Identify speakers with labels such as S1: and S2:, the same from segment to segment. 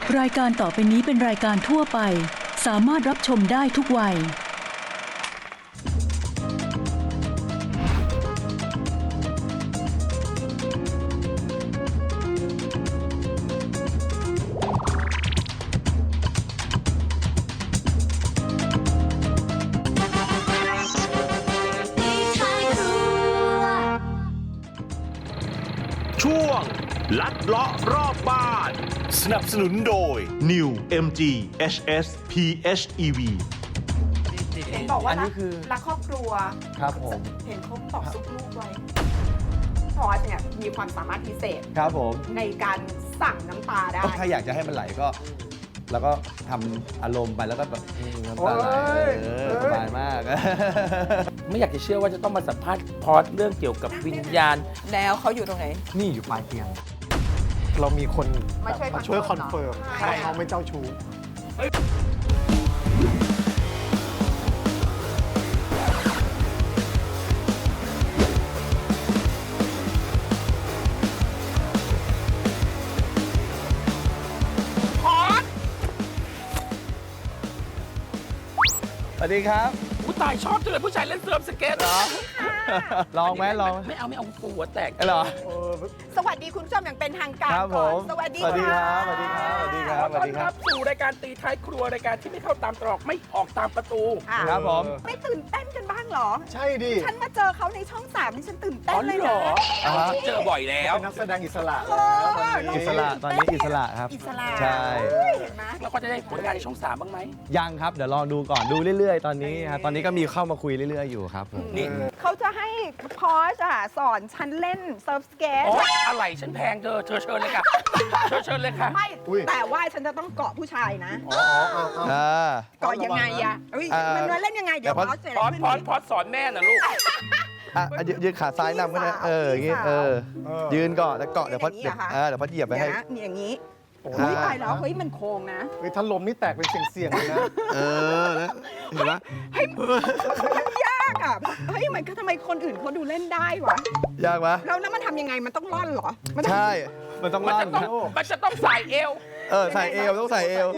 S1: รายการต่อไปนี้เป็นรายการทั่วไปสามารถรับชมได้ทุกวัย
S2: ช่วงลัดเลาะรอบบ้าน สนับสนุนโดย New MG HS PHEV
S3: เห็นบอกว่า
S4: อันนี้คือ
S3: รักครอบครัว
S4: ครับผม
S3: เห็นเขาบอกซุกลูกไว้พอสเนี่ยมีความสามารถพิเศษ
S4: ครับผม
S3: ในการสั่งน้ำตาได้
S4: ถ้าอยากจะให้มันไหลก็ แล้วก็ทำอารมณ์ไปแล้วก็แบบน้ำตาไหลสบายมาก
S5: ไม่อยากจะเชื่อว่าจะต้องมาสัมภาษณ์พอดเรื่องเกี่ยวกับวิญญาณ
S3: แล้วเขาอยู่ตรงไหน
S4: นี่อยู่ปลายเตียง
S6: เรามีคน
S3: มาช่วย
S6: มาช่วยคอนเฟิร์ม
S3: ใช่
S6: ว่าเขาไม่เจ้าชู้
S4: สวัสดีครับ
S5: ผู้ตายชอบจังเลยผู้ชายเล่นเซิร์ฟสเก็ตเหรอ
S4: ลองไหมลอง
S5: ไม่เอากูหัวแตก
S4: เหรอ
S3: สวัสดีคุณผู้ชมอย่างเป็นทางการ
S4: ครับผ
S3: ก่อน
S4: ม
S3: สวัสดี
S4: สวัสดีค
S3: ค่ะ
S4: รับสวัสดีครับสวัสดีครับ
S5: ขอ
S4: สวัส
S5: ต้อน
S4: ดีค
S5: รั
S4: รั
S5: บบ สู่รายการตีท้ายครัวรายการที่ไม่เข้าตามตรอกไม่ออกตามประตู
S3: อ่ะ
S4: ครับผม
S3: ไม่ตื่นเต้นกันบ้างเหรอ
S6: ใช่ดิ
S3: ฉันมาเจอเขาในช่อง3นี่ฉันตื่นเต้
S5: อ๋
S3: น
S5: อ
S3: เลย
S5: เหร
S3: นะ
S5: อ
S4: อ่าฮะ
S5: เจอบ่อยแล้ว
S6: เป็นนักแสดงอิสระแล้วตอนนี้
S4: อิสระตอนนี้อิสระครับ
S3: อิสระ
S4: ใช่
S3: เฮ้ยเห็นไหม
S5: แล้วก็จะได้ผลงานในช่อง3บ้างไหม
S4: ยังครับ เดี๋ยวลองดูก่อนดูเรื่อยๆ ตอนนี้ครับตอนนี้ก็มีเข้ามาคุยเรื่อยๆอยู่ครับผม
S5: นี่
S3: เขาจะให้พอสอ่ะสอนฉันเล่นเซิร์ฟสเกต
S5: อ๋ออะไรฉันแพงเธอเชิญเลยค่ะเชิญเลยค่ะ
S3: ไม่แต่ว่าฉันจะต้องเกาะผู้ชายนะ
S6: อ๋ออ๋ออ๋อ
S4: อ่า
S3: เกาะยังไงอะเอ้ย มันเล่นยังไง เดี๋ยว
S4: เดี๋ยว
S3: พอสเสร็จ
S5: พอด
S3: ขึ้น
S5: พอดพอดสอนแม่น่ะลูก
S4: อ่ะยืนขาซ้ายนำก็ได้อย่างงี้ยืนก่อนแล้วเกาะเดี๋ยวพอเดี๋ยวพอเหยียบไป
S3: เดี๋ย
S4: ให้
S3: วนะนี่อย่างนี้
S6: โอ้
S3: เฮ้ย
S6: ย
S3: ตายแล้วเฮ้ยมันโค้งนะ
S6: เฮ้ยถ้าลมนี่แตกเป็นเสียงๆเลยนะ
S4: แล้วเห็นไหม
S3: เฮ้ยมันยากอ่ะเฮ้ยมันก็ทำไมคนอื่นเขาดูเล่นได้วะ
S4: ยากไหม
S3: แล้วมันทำยังไงมันต้องร่อนเหรอมันต้อง
S4: ใช่ มันต้อง
S5: มัน
S4: ล่อ
S5: จะ
S4: น
S5: ต้องมันจะต้องใส่เอว
S4: ใส่เอวต้องใส่เอว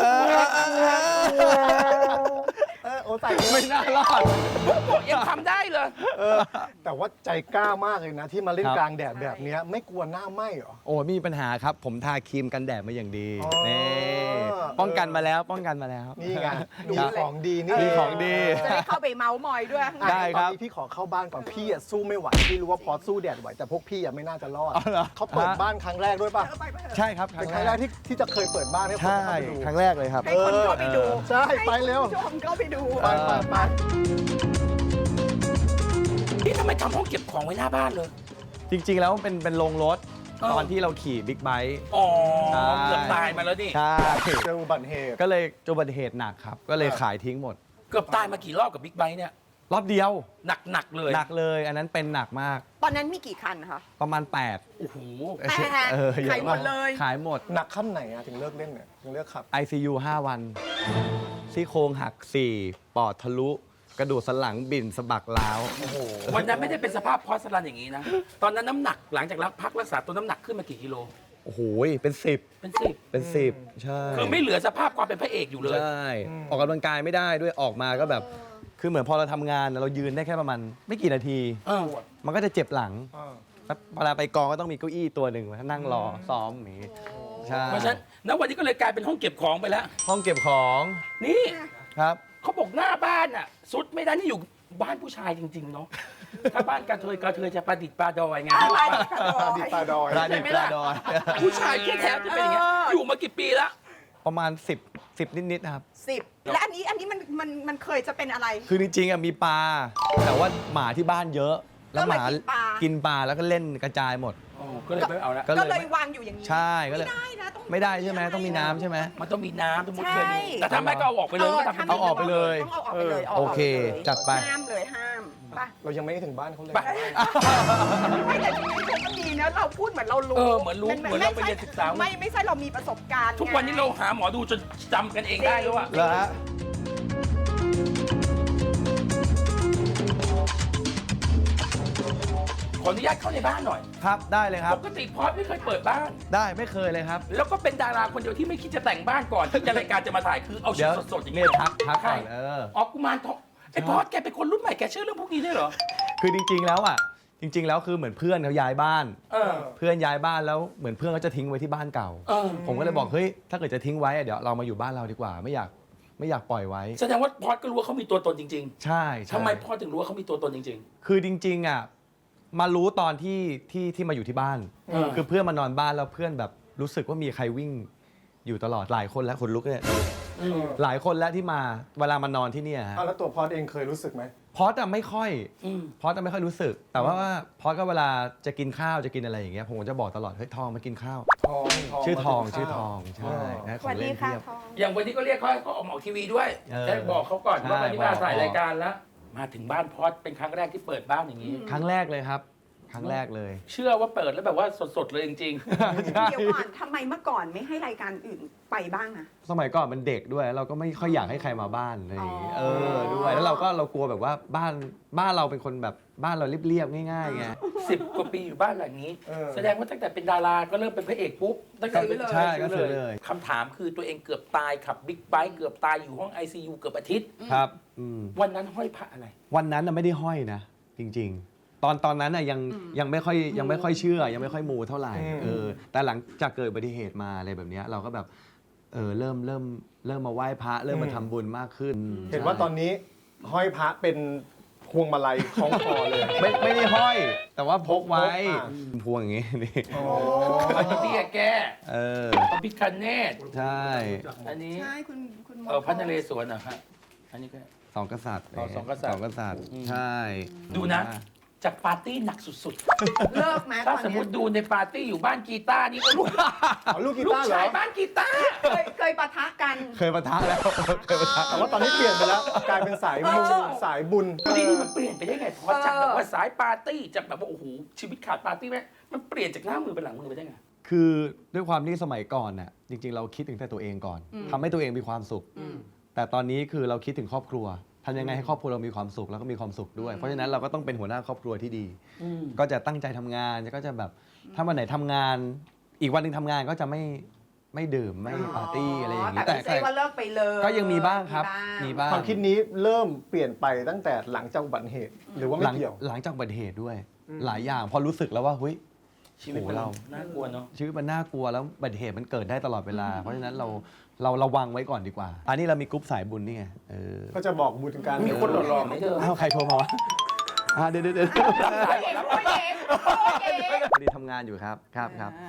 S6: โอ้ใส่
S4: ไม่น่ารอด
S5: พวกผมยังทำได้เลย
S6: แต่ว่าใจกล้ามากเลยนะ ที่มาเล่น
S4: ครับ
S6: กลางแดดแบบเนี้ยไม่กลัวหน้าไหม้เหรอ
S4: โอ้ไม่มีปัญหาครับ ผมทาครีมกันแดดมาอย่างดี
S6: อ๋อ
S4: นี่ป้องกันมาแล้วป้องกันมาแล้ว
S6: นี่ไง
S4: ดู
S6: มีของดีนี่
S4: มีของดี
S3: จะได้เข้าไปเมาส์มอยด้วย
S6: อ่ะ
S4: ได้ครับ
S6: ตอนนี้พี่ขอเข้าบ้านก่อนพี่อะสู้ไม่ไหวพี่รู้ว่าพอสู้แดดไหวแต่พวกพี่อะไม่น่าจะรอด
S4: อ๋อเหรอ
S6: เขาเปิดบ้านครั้งแรกด้วยป่ะ
S4: ใช่ครับค
S6: เป็
S4: รั้
S6: น
S4: ง
S6: ครั้ง
S4: แร
S6: แร
S4: ก
S6: กที่จะเคยเปิดบ้านให้คน
S4: ใช่
S6: เข้าไปดู
S4: ครั้งแรกเลยครับ
S3: ให้คนเข้าไปดู
S6: ใช่ไปเร็ว
S3: ให้คุณผู้ชมเข้าไปดู
S6: ไปไปไป
S5: นี่ทำไมทำห้องเก็บของไว้หน้าบ้านเลย
S4: จริงๆแล้วเป็นโรงรถ
S5: อ๋อ
S4: ตอนที่เราขี่บิ๊กไบค์
S5: อ๋อ
S4: ใช่
S5: เกือบตายมาแล้วนี่
S4: ใช่
S6: เจออุบัติเหตุ
S4: ก็เลยเจออุบัติเหตุหนักครับ ก็เลยขายทิ้งหมด
S5: เกือบตายมากี่รอบกับบิ๊กไบค์เนี่ย
S4: รอบเดียว
S5: หนักเลย
S4: หนักเลย อันนั้นเป็นหนักมาก
S3: ตอนนั้นมีกี่คันคะ
S4: ประมาณ8
S5: โอ้โห
S3: แต่
S4: เย
S3: ขายหมดเลย
S4: ขายหมด
S6: หนักขั้นไหนอะถึงเลิกเล่นเนี่ยถึงเลิกขับ
S4: ICU 5 วัน ซี่โครงหัก 4 ปอดทะลุ กระดูกสันหลังบิ่นสะบักร้าว
S6: โอ้โห
S5: วันนั้นไม่ได้เป็นสภาพพอสลันอย่างนี้นะ ตอนนั้นน้ำหนักหลังจากพักรักษาตัวน้ำหนักขึ้นมากี่กิโล
S4: โอ้โห เป็น 10
S5: เป็นสิบ
S4: เป็น 10 ใช่
S5: คือไม่เหลือสภาพความเป็นพระเอกอยู่เลย
S4: ใช่ ออกกำลังกายไม่ได้ด้วยออกมาก็แบบ คือเหมือนพอเราทำงานเรายืนได้แค่ประมาณไม่กี่นาที
S5: เออ
S4: มันก็จะเจ็บหลัง
S6: อ่า
S4: แล้วเวลาไปกองก็ต้องมีเก้าอี้ตัวหนึ่งไว้นั่งรอซ้อมอย่างนี้ใช่
S5: เพราะฉะนั้นณวันนี้ก็เลยกลายเป็นห้องเก็บของไปแล้ว
S4: ห้องเก็บของ
S5: นี่
S4: ครับ
S5: เขาบอกหน้าบ้านอ่ะสุดไม่ได้นี่อยู่บ้านผู้ชายจริง ๆ เนาะ ถ้าบ้านกระเทยจะประดิษฐ์ปลาดอยไง
S6: ดิตาดอย
S4: ร้านดิบปลาดอย
S5: ผู้ชายแท้ๆจะเป็นอย่างเงี้ยอยู่มากี่ปีแล้ว
S4: ประมาณ 10 นิดๆนะครับ
S3: 10 และอันนี้มันเคยจะเป็นอะไร
S4: คือจริงๆอะมีปลา แต่ว่าหมาที่บ้านเยอะ แล้วหมา
S3: ก็เลยกินปลา
S4: แล้วก็เล่นกระจายหมด
S5: อ๋อก็เลยไม่เอาละ
S4: ก็
S3: ก็เลยวางอยู่อย่างนี้
S4: ใช่ก็เลย
S3: ไม่ได้นะต้อง
S4: ไม่ได้ใช่ไหมต้องมีน้ำใช่ไหม
S5: มันต้องมีน้ำต้องมุด
S3: ใช่
S5: เคยมีแต่ถ้าไม่ก็เอาออกไปเลยก็ทำเป็น
S4: เอาออกไปเลย
S3: ต้องเอาออกไปเลย
S4: โอเค จัดไป
S3: ห้ามเลยห้ามไป
S6: เรายังไม่ได้ถึงบ้านเขาเลย
S5: ไป
S3: ไม่แต่ชีวิตเขาก็ดีนะเราพูดเหมือนเรารู้
S5: เหมือนรู้เหมือนเราไปเรียนศึกษา
S3: ไม่ใช่เรามีประสบการณ์
S5: ทุกวันนี้เราหาหมอดูจนจำกันเองได้แล้วว่า
S4: แล้วฮะ
S5: คออนุญาตเข้าในบ้านหน่อย
S4: ครับได้เลยครับ
S5: ปกติพอดไม่เคยเปิดบ้าน
S4: ได้ไม่เคยเลยครับ
S5: แล้วก็เป็นดาราคนเดียวที่ไม่คิดจะแต่งบ้านก่อนที่จะรายการจะมาถ่ายคือเอาชุ
S4: เดี๋
S5: ด
S4: ยว
S5: สดๆอย่าง
S4: เนี่
S5: นี้
S4: ยทักก่อน
S5: ใช่ อ๋อกุมารทองไอ้พอดแกเป็นคนรุ่นใหม่แกเชื่อเรื่องพวกนี้ได้วยเหรอ
S4: คือจริงๆแล้วอ่ะจริง ๆ แล้วคือเหมือนเพื่อนเขาย้ายบ้าน
S5: เออ
S4: เพื่อนย้ายบ้านแล้วเหมือนเพื่อนเขาจะทิ้งไว้ที่บ้านเก่า
S5: เออ
S4: ผมก็เลยบอกเฮ้ยถ้าเกิดจะทิ้งไว้อะเดี๋ยวเรามาอยู่บ้านเราดีกว่า ไม่อยากปล่อยไว้
S5: แสดงว่าพอดก็รู้ว่าเขามีตัวตนจริง
S4: ใช่
S5: ๆ
S4: ใช่
S5: ทำไมพอดถึงรู้ว่าเขามีตัวตนจริง
S4: คือจริงๆอ่ะมารู้ตอนที่มาอยู่ที่บ้าน คือเพื่อนมานอนบ้านแล้วเพื่อนแบบรู้สึกว่ามีใครวิ่งอยู่ตลอดหลายคนแล้วคนลุกเนี่ยหลายคนแล้วที่มาเวลามานอนที่เนี่ยฮะ
S6: แล้วตัวพอดเองเคยรู้สึกไหม
S4: พอสอะไม่ค่อย
S5: อืม
S4: พอสอะไม่ค่อยรู้สึก แต่ว่าพอสก็เวลาจะกินข้าวจะกินอะไรอย่างเงี้ยผมก็จะบอกตลอดเฮ้ยทองมากินข้าว
S6: ทอง
S4: ชื่อทอง
S6: มา
S4: ชื่
S6: กิ
S4: อน ท
S6: ข้าว
S4: องใช่นะข
S3: ส
S4: อง
S3: วัส
S4: เล่
S3: ดี
S4: น
S3: ค่ะ
S4: เทียบ
S3: ทอง
S5: ๆ อย่างวันนี้ก็เรียกเขาให้เขาออกมาออกทีวีด้วย
S4: เออ
S5: ได้บอกเขาก่อนว่า
S4: ใช่
S5: วันนี้มาถ่าย
S4: บอก
S5: รายการแล้ว มาถึงบ้านพอดเป็นครั้งแรกที่เปิดบ้านอย่างนี้
S4: ครั้งแรกเลยครับ ครั้งแรกเลย
S5: เชื่อว่าเปิดแล้วแบบว่าสดๆเลยจริง
S3: เดี๋ยวก่อนทำไมเมื่อก่อนไม่ให้รายการอื่นไปบ้างอะ
S4: สมัยก่อนมันเด็กด้วยเราก็ไม่ค่อยอยากให้ใครมาบ้านอะไรอย่างงี้
S3: อ๋อ
S4: ด้วยแล้วเรากลัวแบบว่าบ้านเราเป็นคนแบบบ้านเราเรียบๆง่ายๆไง
S5: ๆ 10 กว่าปีอยู่บ้านหลังนี้ แสดงว่าตั้งแต่เป็นดาราก็เริ่มเป็นพระเอกปุ๊บตั้งแต่เป็น
S4: ใช่ก็ซื้อเลย
S5: คำถามคือตัวเองเกือบตายขับบิ๊กไบค์เกือบตายอยู่ห้อง ICU เกือบอาทิตย์
S4: ครับ
S5: วันนั้นห้อยพระอะไร
S4: วันนั้นน่ะไม่ได้ห้อยนะ จริง ๆ ตอนนั้นน่ะยังไม่ค่อยเชื่อ ยังไม่ค่อยมูเท่าไหร่แต่หลังจากเกิดอุบัติเหตุมาอะไรแบบเนี้ยเราก็แบบเริ่มมาไหว้พระเริ่มมาทำบุญมากขึ้น
S6: เห็นว่าตอนนี้ห้อยพระเป็นพวงมาลัยคล้องคอเลย
S4: ไม่ได้ห้อย แต่ว่าพกไว้
S6: พก
S4: พวงอย่างงี้นี่
S5: อันนี้เตี้ยแก้ พระพิคเนต
S4: ใช่
S5: อันนี้
S3: ใช่คุณหมอ
S5: พระนเรศวรนะฮะอันนี้ก็
S4: สองกษัตริย์
S5: อ๋อสองกษัตริย์
S4: สองกษัตริย์ใช่
S5: ดูนะ จากปาร์ตี้หนักสุด
S3: เลิกไหม
S5: ๆ ถ้า
S3: ตอน
S5: สมม
S3: เนี้ย
S5: ติดูในปาร์ตี้อยู่บ้านกีตาร์นี่ก็ลูก
S6: ลูกกี
S5: ลูก
S6: ตาร์เหร
S5: ชา
S6: อ
S5: ยบ้านกีตาร์
S3: เคยปะทะกัน
S4: เคยปะทะแล้วเคยปะทะ
S6: แต่ว่าตอนนี้เปลี่ยนไปแล้วกลายเป็นสายมูสายบุญ
S5: นี่มันเปลี่ยนไปได้ไงพอจากแบบว่าสายปาร์ตี้จากแบบว่าโอ้โหชีวิตขาดปาร์ตี้ไหมมันเปลี่ยนจากหน้ามือเป็นหลังมือไปได้ไง
S4: คือด้วยความที่สมัยก่อนน่ะจริง ๆ เราคิดถึงแต่ตัวเองก่อนทำให้ตัวเองมีความสุข แต่ตอนนี้คือเราคิดถึงครอบครัวทำยังไงให้ครอบครัวเรามีความสุขแล้วก็มีความสุขด้วย เพราะฉะนั้นเราก็ต้องเป็นหัวหน้าครอบครัวที่ดี ก็จะตั้งใจทำงานก็จะแบบถ้าวันไหนทำงาน อีกวันหนึ่งทำงานก็จะไม่ดื่มไม่ปาร์ตี้อะไรอย่างนี้
S3: แต่ไม่ใช่ว่าเลิกไปเลย
S4: ก็ยังมีบ้างครับมีบ้าง
S6: ความคิดนี้เริ่มเปลี่ยนไปตั้งแต่หลังจากอุบัติเหตุ หรือว่าไม่เกี่ยว
S4: หลังจากอุบัติเหตุด้วย หลายอย่างพอรู้สึกแล้วว่าเฮ้ย
S5: ชีวิต
S4: โอ้
S5: เรา
S4: เรา
S5: น่ากลัวเนาะ
S4: ชีวิตมันน่ากลัวแล้วอุบัติเหตุมันเกิดได้ตลอดเวลา เพราะฉะนั้นเราระวังไว้ก่อนดีกว่า อันนี้เรามีกรุ๊ปสายบุญนี่ไง
S6: ก็จะบอกบุญกัน
S5: มีคนหล่อๆไหมเธอ
S4: อ้าวใครโทรมาวะเดี๋ยว
S3: โอ้ยเองโอ้ยเองโอ้ยเอง
S4: พอดีทำงานอยู่ครับครับ
S3: อ่า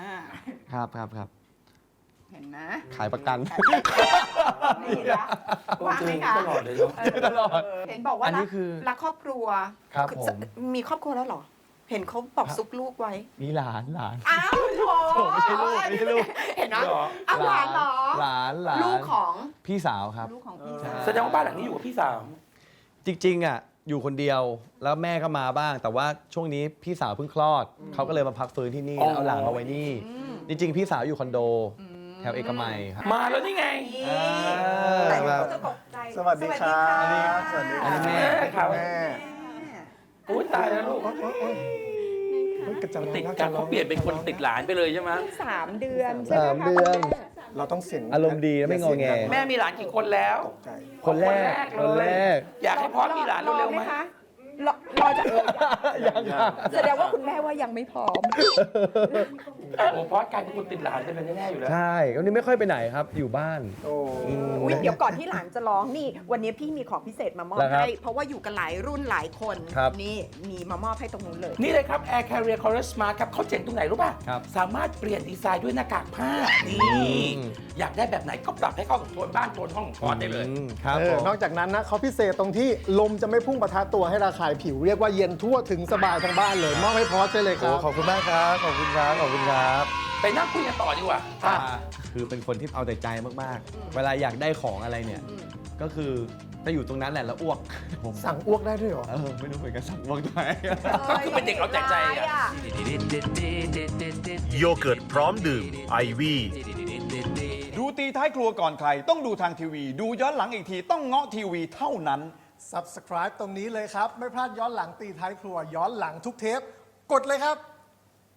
S3: เห็นไหม
S4: ขายประกัน
S3: นี่นะว่างไหมคะ
S5: ตลอดเลยเนาะ
S4: ตลอด
S3: เห็นบอกว่า
S4: อันนี้คือ
S3: รักครอบครัว
S4: ครับผม
S3: มีครอบครัวแล้วเหรอ เห็นเขาบอกซุกลูกไว้
S4: มีหลาน
S3: อ้าวโถ
S4: ไม่ใช่ลูกไม่ใช่ลูก
S3: เห็นไหม
S5: เหรอ
S3: อ้าวหลานเหรอ
S4: หลาน
S3: ลูกของ
S4: พี่สาวครับ
S3: ลูกของพี่สาว
S5: แสดงว่าบ้านหลังนี้อยู่กับพี่สาว
S4: จริงๆอ่ะอยู่คนเดียวแล้วแม่ก็มาบ้าง แต่ว่าช่วงนี้พี่สาวเพิ่งคลอดเขาก็เลยมาพักฟื้นที่นี่
S5: อ๋อ
S4: แล้วเอาหลานมาไว้นี่ จริงๆ พี่สาวอยู่คอนโดแถวเอกมัยครับ
S5: มาแล้วนี่ไง
S3: แต่เขาจะตกใจ
S6: สวัสดีครับ
S3: สวัสดี
S4: อันนี้
S3: ค่ะ
S4: แม่
S5: ครับ
S6: แม่
S5: อุ้ยตายแล้วลูก
S6: เฮ้ยกระจัง
S5: ติดกันเขาเปลี่ยนเป็นคนติดหลานไปเลยใช่ไหม
S3: 3 เดือนใช่ไหมคะ
S4: 3 เดือน
S6: เราต้องเสียง
S4: อารมณ์ดีนะไม่งอแง
S5: แม่มีหลานกี่คนแล้ว
S6: ตกใจ
S4: คนแรก
S5: คนแรก อยากให้พ่อมีหลานเร็วๆไหม
S3: คะรอจะ
S4: ยังค่ะ
S3: แสดงว่าคุณแม่ว่ายังไม่พร้อม
S5: โอ้พ่อกลายเป็นคนติดหลานไปเลยแน่ๆอยู่แล้ว
S4: ใช่วันนี้ไม่ค่อยไปไหนครับ อยู่บ้าน
S6: โอ้
S3: อุ๊ยเดี๋ยวก่อนที่หลานจะร้องนี่ วันนี้พี่มีของพิเศษมามอบ
S4: แล้วครับ
S3: ให้ เพราะว่าอยู่กันหลายรุ่นหลายคน
S4: ครับ
S3: นี่มีมามอบให้ตรงนู้นเลย
S5: นี่เลยครับ Air Carrier Color Smart ครับเขาเจ๋งตรงไหนรู้ป่ะ
S4: ครับ
S5: สามารถเปลี่ยนดีไซน์ด้วยหน้ากากผ้า นี่ อยากได้แบบไหนก็ปรับให้เข้ากับโทนบ้านโทนห้องของพอได้เลย
S4: ครับผม
S6: นอกจากนั้นนะเขาพิเศษตรงที่ลมจะไม่พุ่งปะทะตัวให้ระคายผิว เรียกว่าเย็นทั่วถึงสบายทั้งบ้านเลยมอบให้พอสไปเลยค
S4: โอ้
S6: รับ
S4: ขอบคุณมากครับขอบคุณครับขอบคุณครับ
S5: ไปนั่งคุยกันต่อดีกว่า
S4: คือเป็นคนที่เอาแต่ใจมากๆ เวลาอยากได้ของอะไรเนี่ย ก็คือจะอยู่ตรงนั้นแหละแล้วอ้วกผม
S6: สั่งอ้วกได้ด้วยเหรอ
S4: ไม่รู้เหมือนกันสั่งอ้วกได้
S5: ก็คือเป็นเด็กเอาแต่ใจอะ
S2: โยเกิร์ตพร้อมดื่มไอวี่
S7: ดูตีท้ายครัวก่อนใคร ต้องดูทางทีวี ดูย้อนหลังอีกทีต้องเงาะทีวีเท่านั้น
S6: Subscribe ตรงนี้เลยครับ ไม่พลาดย้อนหลังตีท้ายครัว ย้อนหลังทุกเทปกดเลยครับ